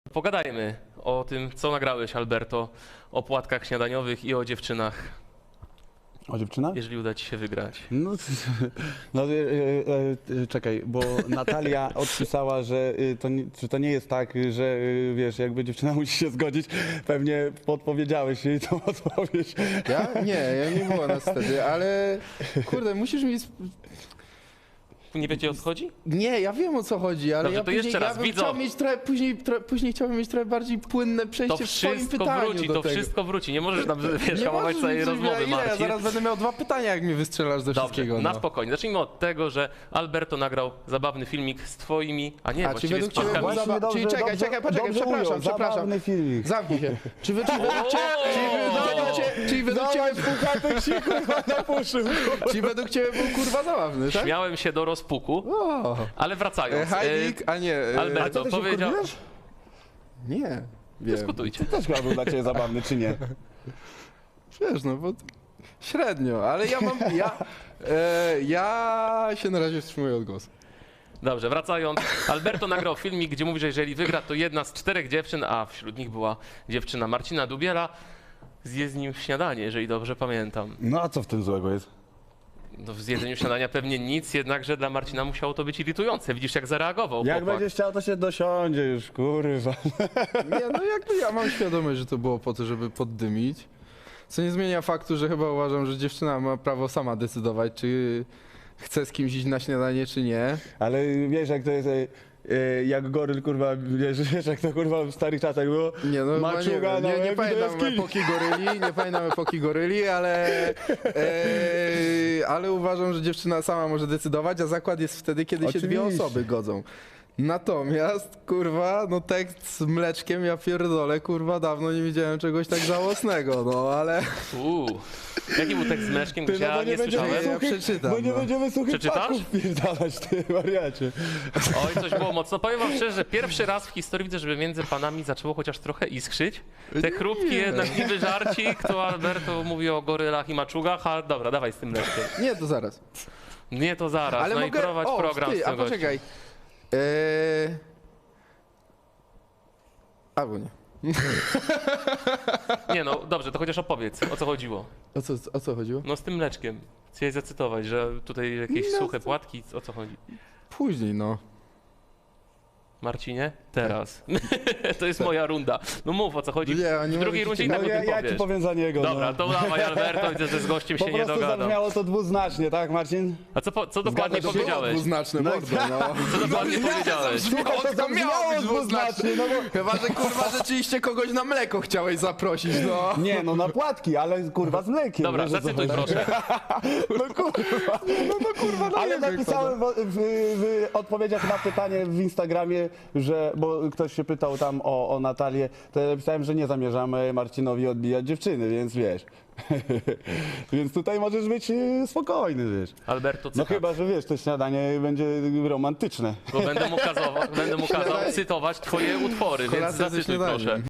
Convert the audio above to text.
Pogadajmy o tym, co nagrałeś, Alberto, o płatkach śniadaniowych i o dziewczynach, O dziewczynach? jeżeli uda ci się wygrać. Czekaj, bo Natalia odpisała, że to nie jest tak, że wiesz, jakby dziewczyna musi się zgodzić. Pewnie podpowiedziałeś jej tą odpowiedź. Ja? Nie, ja nie było nas wtedy, ale kurde, musisz mi... Nie wiecie, o co chodzi? Nie, ja wiem o co chodzi, ale Dobrze, ja to później, jeszcze raz, ja bym widzą. chciał mieć trochę, później chciałbym mieć trochę bardziej płynne przejście To w swoim wszystko pytaniu wróci, do to tego. wszystko wróci. Nie możesz nam, wiesz, Nie hamować możesz całej mi rozmowy, ile? Ja Marcin. zaraz będę miał 2 pytania, jak mnie wystrzelasz do Dobrze, wszystkiego. na No. spokojnie. Zacznijmy od tego, że Alberto nagrał zabawny filmik z twoimi, a nie, A czy właściwie z według ciebie płatkami. był Właśnie Czyli czekaj, poczekaj, dobrze przepraszam, ujął, zabawny filmik. Zamknij się. Czy według ciebie był kurwa zabawny, tak? Śmiałem się do rozpuku, O, ale wracając. Heidik, a nie... Alberto A ty się powiedział... wkurwiłeś? Nie, wiem. Dyskutujcie. Też chyba był dla ciebie zabawny, czy nie? Wiesz, no bo średnio, ale ja mam... Ja się na razie wstrzymuję od głosu. Dobrze, wracając. Alberto nagrał filmik, gdzie mówi, że jeżeli wygra, to jedna z 4 dziewczyn, a wśród nich była dziewczyna Marcina Dubiela, zje z nim śniadanie, jeżeli dobrze pamiętam. No a co w tym złego jest? No, w zjedzeniu śniadania pewnie nic, jednakże dla Marcina musiało to być irytujące. Widzisz, jak zareagował Jak chłopak. będziesz chciał, to się dosiądzie już, kurwa. Nie, no jakby ja mam świadomość, że to było po to, żeby poddymić. Co nie zmienia faktu, że chyba uważam, że dziewczyna ma prawo sama decydować, czy chce z kimś iść na śniadanie, czy nie. Ale wiesz, jak to jest, jak goryl, kurwa, wiesz, jak to kurwa w starych czasach było? Nie, no chyba Maczuga na nie łeb i do pamiętam jaskini. epoki goryli, ale uważam, że dziewczyna sama może decydować, a zakład jest wtedy, kiedy się 2 Oczywiście. osoby godzą. Natomiast, kurwa, no tekst z mleczkiem, ja pierdolę, kurwa, dawno nie widziałem czegoś tak żałosnego, no ale... Jaki był tekst z meszkiem, gdzie no ja bo nie będziemy słyszałem? Ja przeczytam, Bo nie no. będziemy suchych Przeczytasz? paków pierdalać, ty wariacie. Oj, coś było mocno. Powiem wam szczerze, że pierwszy raz w historii widzę, żeby między panami zaczęło chociaż trochę iskrzyć. Te chrupki, jednak niby żarcik, to Alberto mówi o gorylach i maczugach, a dobra, dawaj z tym mleczkiem. Nie, to zaraz. Nie, to zaraz, Ale no mogę... i prowadź program z a tego. poczekaj. Albo nie. Nie no, dobrze, to chociaż opowiedz, o co chodziło. O co chodziło? No z tym mleczkiem. Chciałeś zacytować, że tutaj jakieś No, suche płatki, o co chodzi? Później, no. Marcinie? Teraz. To jest moja runda. No mów, o co chodzi. Nie, a nie W drugiej możecie- rundzie i tak No o tym ja ci powiesz. powiem za niego. Dobra, no. to dawaj Alberto, widzę, że z gościem Po się nie prostu dogadał. zabrzmiało to dwuznacznie, tak Marcin? A co dokładnie Zgadza się? powiedziałeś? Dwuznaczne mordo, no. Co dokładnie powiedziałeś? Słuchaj, to zabrzmiało dwuznacznie, no bo... Chyba, że kurwa rzeczywiście kogoś na mleko chciałeś zaprosić, no. Nie, no na płatki, ale kurwa z mlekiem. Dobra, wiesz, o co zacytuj chodzi. proszę. No kurwa. No kurwa, no ale napisałem w odpowiedziach na pytanie w Instagramie, że, bo ktoś się pytał tam o Natalię, to ja napisałem, że nie zamierzamy Marcinowi odbijać dziewczyny, więc wiesz. Więc tutaj możesz być spokojny, wiesz. Alberto, No cytat. chyba, że wiesz, to śniadanie będzie romantyczne. Bo będę mu kazał cytować twoje utwory, więc Kolacja ze zacytuj śniadaniem. proszę.